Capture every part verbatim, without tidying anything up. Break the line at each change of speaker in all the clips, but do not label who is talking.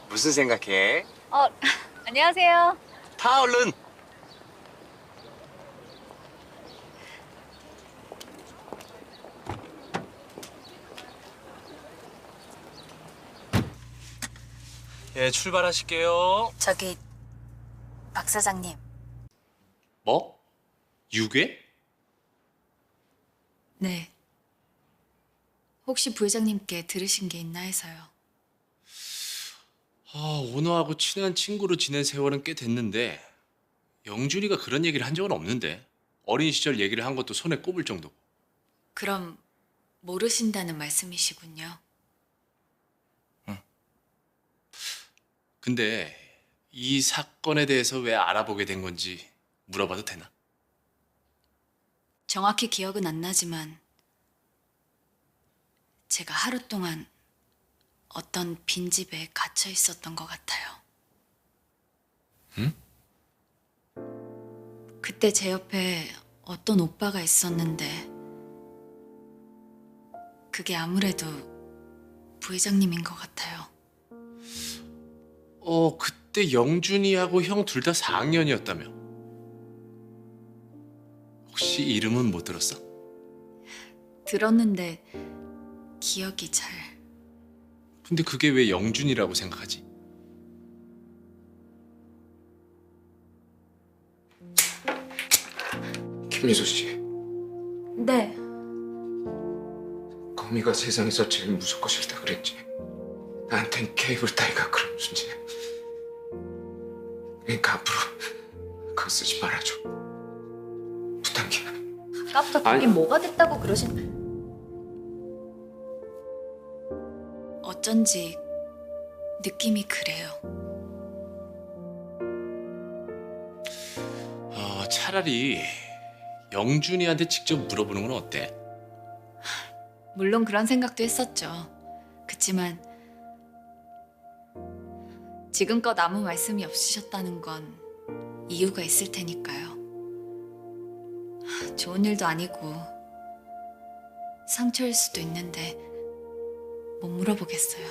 무슨 생각해?
어, 안녕하세요.
타 얼른. 예, 출발하실게요.
저기 박 사장님,
뭐? 유괴?
네. 혹시 부회장님께 들으신 게 있나 해서요.
아, 오너하고 친한 친구로 지낸 세월은 꽤 됐는데 영준이가 그런 얘기를 한 적은 없는데. 어린 시절 얘기를 한 것도 손에 꼽을 정도고.
그럼 모르신다는 말씀이시군요.
근데 이 사건에 대해서 왜 알아보게 된 건지 물어봐도 되나?
정확히 기억은 안 나지만 제가 하루 동안 어떤 빈집에 갇혀 있었던 것 같아요.
응?
그때 제 옆에 어떤 오빠가 있었는데 그게 아무래도 부회장님인 것 같아요.
어, 그때 영준이하고 형 둘 다 사 학년이었다며. 혹시 이름은 못 들었어?
들었는데 기억이 잘...
근데 그게 왜 영준이라고 생각하지?
김미소 씨,
네.
거미가 세상에서 제일 무섭고 싫다 그랬지. 나한텐 케이블 타이가 그런 존재야. 그러니까 앞으로 그거 쓰지 말아줘. 부탁이야.
아까부터 그게
아니.
뭐가 됐다고 그러신... 어쩐지 느낌이 그래요.
어, 차라리 영준이한테 직접 물어보는 건 어때?
물론 그런 생각도 했었죠. 그치만 지금껏 아무 말씀이 없으셨다는 건 이유가 있을 테니까요. 좋은 일도 아니고 상처일 수도 있는데 못 물어보겠어요.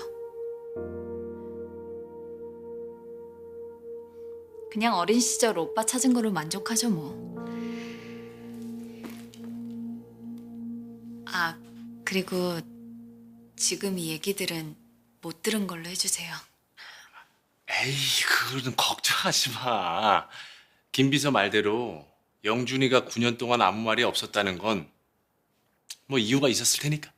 그냥 어린 시절 오빠 찾은 거로 만족하죠 뭐. 아, 그리고 지금 이 얘기들은 못 들은 걸로 해주세요.
에이, 그거는 걱정하지 마. 김 비서 말대로 영준이가 구 년 동안 아무 말이 없었다는 건 뭐 이유가 있었을 테니까.